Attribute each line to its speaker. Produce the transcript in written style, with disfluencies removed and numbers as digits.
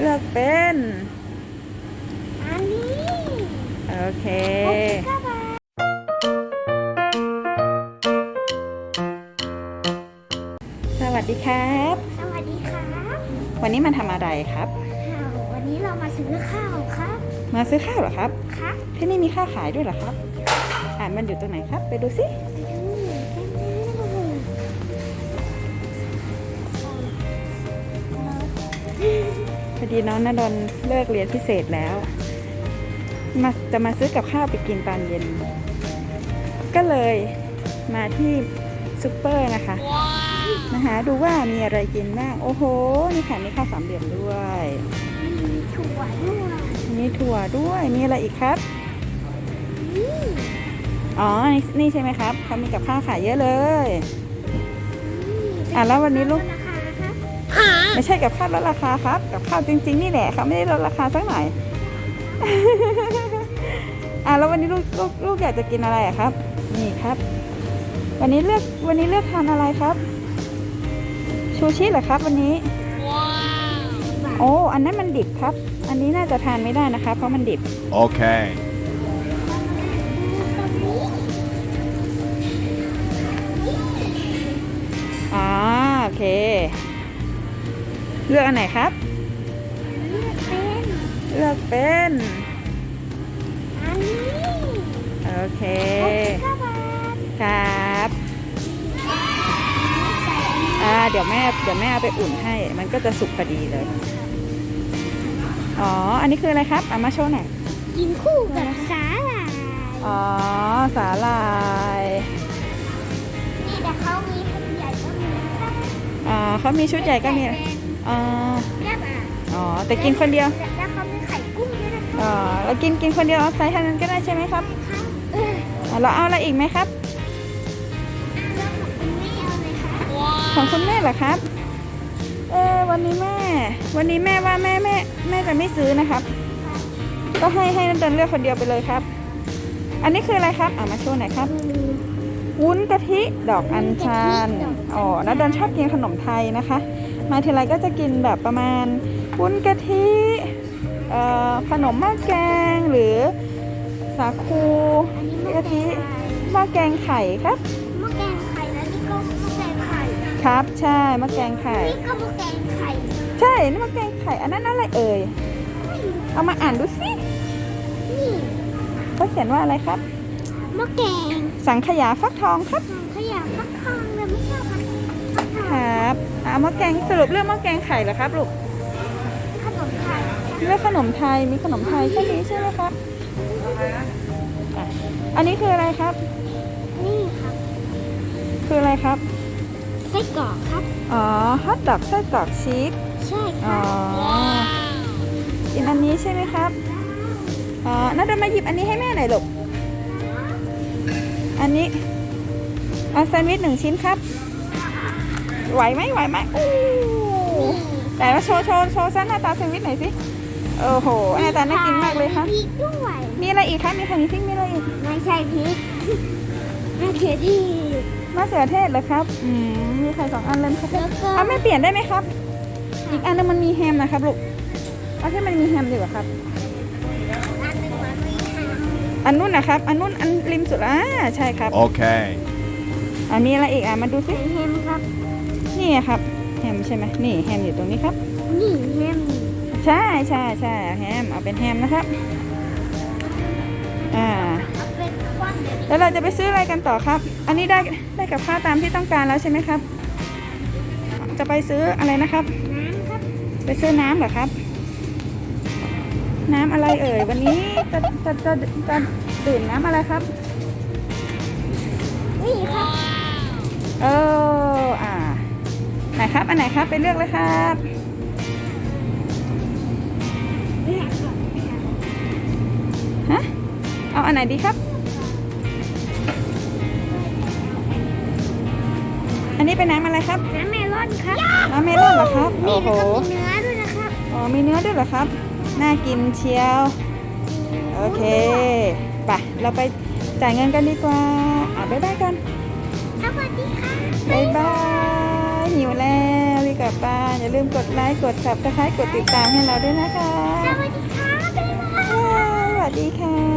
Speaker 1: เลือกเป็น
Speaker 2: อันนี้
Speaker 1: โอเคสวัสดีครับ
Speaker 2: สวัสดีครับ
Speaker 1: วันนี้มาทำอะไรครับ
Speaker 2: วันนี้เรามาซื้อข้าวครับ
Speaker 1: มาซื้อข้าวเหรอครับ
Speaker 2: ครับ
Speaker 1: ที่นี่มีข้าวขายด้วยเหรอครับมันอยู่ตรงไหนครับไปดูสิพอดีน้องณดลเลิกเรียนพิเศษแล้วจะมาซื้อกับข้าวไปกินตอนเย็นก็เลยมาที่ซุปเปอร์นะคะมาหาดูว่ามีอะไรกินบ้างโอ้โหนี่ค่ะมีข้าวสามเหลี่ยมด้วย
Speaker 2: มีถั่วด้วย
Speaker 1: มีอะไรอีกครับอ๋อนี่ใช่ไหมครับเขามีกับข้าวขายเยอะเลยแล้ววันนี้ลูกไม่ใช่กับข้าวลดราคาครับกับข้าวจริงๆนี่แหละเขาไม่ได้ลดราคาสักหน่อยแล้ววันนี้ลูกอยากจะกินอะไรครับนี่ครับวันนี้เลือกทานอะไรครับชูชิเหรอครับวันนี้โอ้อันนั้นมันดิบครับอันนี้น่าจะทานไม่ได้นะคะเพราะมันดิบ
Speaker 3: โอเค
Speaker 1: โอเคเลือกอันไหนครับเลือกเป็น
Speaker 2: อันนี้
Speaker 1: โอเคครับเดี๋ยวแม่เอาไปอุ่นให้มันก็จะสุกพอดีเลยอันนี้คืออะไรครับมาโชว์หน่อย
Speaker 2: กินคู่กับสาหร่าย
Speaker 1: สาหร่าย
Speaker 2: นี่แต่เขามีชุดใหญ่ก็มี
Speaker 1: เขามีชุดใหญ่ก็มีแต่กินคนเดียว
Speaker 2: แล้วเขามีไข่กุ้งด้วยนะคะ
Speaker 1: เรากินคนเดียวเอาไซส์เท่านั้นก็ได้ใช่ไหมครับเราเอาอะไรอีกไหมครับของคุณแม่เหรอครับวันนี้แม่ว่าแม่จะไม่ซื้อนะครับก็ให้นันเดินเลือกคนเดียวไปเลยครับอันนี้คืออะไรครับมาโชว์หน่อยครับวุ้นกะทิดอกอัญชันนันเดินชอบกินขนมไทยนะคะมาทีไรก็จะกินแบบประมาณวุ้นกะทิขนมหม้อแกงหรือสาคูกะทิหม้อแกงไข่ครับ
Speaker 2: หม้อแกงไข่แล้วนี่ก็หม้อแกงไข่
Speaker 1: ครับใช่หม้อแกงไข่
Speaker 2: นี่ก็หม้อแกงไข่
Speaker 1: ใช่นี่หม้อแกงไข่อันนั้นอะไรเอ่ยเอามาอ่านดูสิ
Speaker 2: นี่
Speaker 1: เขาเขียนว่าอะไรครับ
Speaker 2: หม้อแกง
Speaker 1: สังขยาฟักทองครับ
Speaker 2: สังขยาฟักทองเลยไม่ชอบฟักทอง
Speaker 1: ครับหม้อแกงสรุปเรื่องหม้อแกงไข่เหรอครับลูก
Speaker 2: ขนมไทย
Speaker 1: เรื่องขนมไทยมีขนมไทยแค่นี้ใช่ไหมครับอันนี้คืออะไรครับ
Speaker 2: นี่ครับ
Speaker 1: คืออะไรครับ
Speaker 2: ไส้กรอกครับ
Speaker 1: ฮอทดอกไส้กรอกชีส
Speaker 2: ใช่ครับ
Speaker 1: กินอันนี้ใช่ไหมครับน่าจะมาหยิบอันนี้ให้แม่หน่อยลูกอันนี้แซนด์วิช1 ชิ้นครับไหวไหมโอ้แต่ว่าโชว์ซะหน้าตาแซนด์วิชหน่อยสิโอ้โหหน้าตาน่ากินมากเลยค่ะมีอะไรอีกคะมีพริกมีอะไรอีก
Speaker 2: ไม่ใช่พริกมะเขือเท
Speaker 1: ศเหรอครับมีไข่2 อันเลยครับไม่เปลี่ยนได้ไหมครับอีกอันนึงมันมีแฮมนะครับลูกเอาที่มันมีแฮมดีกว่าครับอันนู้นนะครับอันนู้นอันริมสุดใช่ครับ
Speaker 3: โอเค
Speaker 1: มีอะไรอีกมาดูสิ
Speaker 2: แฮมครับ
Speaker 1: นี่ครับแฮมใช่ไหมนี่แฮมอยู่ตรงนี้ครับ
Speaker 2: นี่แฮม
Speaker 1: ใช่แฮมเอาเป็นแฮมนะครับแล้วเราจะไปซื้ออะไรกันต่อครับอันนี้ได้กับข้าวตามที่ต้องการแล้วใช่ไหมครับจะไปซื้ออะไรนะครับ
Speaker 2: น้ำครับ
Speaker 1: ไปซื้อน้ำเหรอครับน้ำอะไรเอ่ยวันนี้จะดื่มน้ำอะไรครับ
Speaker 2: นี่ครับ
Speaker 1: ไหนครับอันไหนครับไปเลือกเลยครับเอาอันไหนดีครับอันนี้เป็นน้ำอะไรครับ
Speaker 2: น้ำเมลอนครับ
Speaker 1: น้ำเมลอนเหรอครับ
Speaker 2: นี่แล้วก็มีเนื้อด้วยนะครับ
Speaker 1: มีเนื้อด้วยเหรอครับน่ากินเชียวโอเคไปเราไปจ่ายเงินกันดีกว่าบ๊ายบายกัน
Speaker 2: สวัสดีค่ะ
Speaker 1: บ๊ายบายหิวแล้วกลับบ้านอย่าลืมกดไลค์กด Subscribe กดติดตามให้เราด้วยนะคะ
Speaker 2: สวัสดีค่ะบ๊ายบาย
Speaker 1: สวัสดีค่ะ